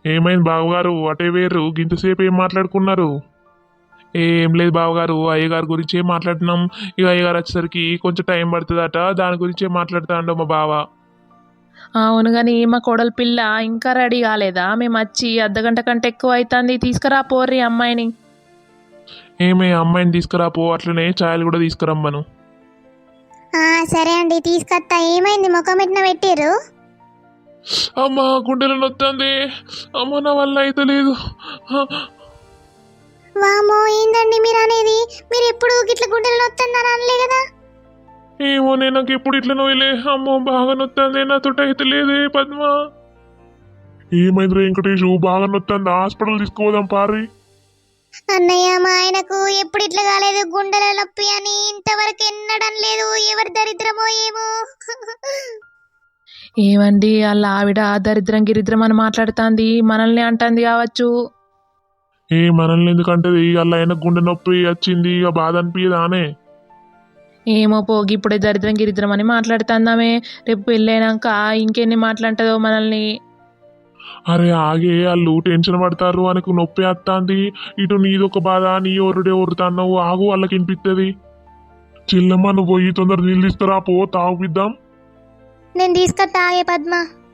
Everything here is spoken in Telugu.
ఏమైంది బావగారు అటే వేరు గింతసేపు ఏం మాట్లాడుకున్నారు? ఏం లేదు బావగారు, అయ్యగారి గురించే మాట్లాడుతున్నాం. ఇక అయ్యగారు వచ్చేసరికి కొంచెం టైం పడుతుందట, దాని గురించే మాట్లాడుతాండు మా బావ. అవును గాని మా కోడలి పిల్ల ఇంకా రెడీ కాలేదా? మేము వచ్చి అర్ధగంట కంటే ఎక్కువ అవుతుంది. తీసుకురా పోర్రి అమ్మాయిని. ఏమే అమ్మాయిని తీసుకురాపో, అట్లనే ఛాయలు కూడా తీసుకురమ్మను. సరే అండి తీసుకొస్తా. ఏమైంది ముఖం ఎట్న పెట్టిర్రు? అమ్మ గుండెలో నొత్తంది, అమ్మ నా వల్ల అయితే లేదు. వామో ఏందండి మీరు అనేది? మీరు ఎప్పుడు గిట్ల గుండెలు నొత్తందని అనలే కదా? ఏమో నేను నాకు ఎప్పుడు ఇట్లా నోయలే, అమ్మో బాగా నొత్తంది, నాతోటి అయితే లేదే పద్మ. ఏమైంది వెంకటేషు, బాగా నొత్తంది, హాస్పిటల్ తీసుకోదాం పారి. అన్నయ్య మా ఆయనకు ఎప్పుడు ఇట్లా కాలేదు, గుండెల నొప్పి అని ఇంతవరకు ఎన్నడం లేదు. ఎవరి దరిద్రమో ఏమో. ఏమండి వాళ్ళ ఆవిడ దరిద్రం గిరిద్రం అని మాట్లాడుతుంది, మనల్ని అంటుంది కావచ్చు. ఏ మనల్ని ఎందుకంటే వాళ్ళ ఆయన గుండె నొప్పి వచ్చింది, ఇక బాధ అనిపించదానే. ఏమో పోగి ఇప్పుడే దరిద్రం గిరిద్రం అని మాట్లాడుతుందామే. రేపు పెళ్ళైనాక ఇంకెన్ని మాట్లాడుతుందో మనల్ని. అరే ఆగే, వాళ్ళు టెన్షన్ పడతారు, మనకు నొప్పి వస్తుంది, ఇటు నీదొక బాధ, నీ ఒరుడే ఒరుతాన్నావు, ఆగు వాళ్ళకి వినిపిస్తుంది. చిల్లమ్మ నువ్వు పోయి తొందర నీళ్ళు తీసుకురా పో, తాగిద్దాం. నేను తీసుకొస్తా ఆగే పద్మ.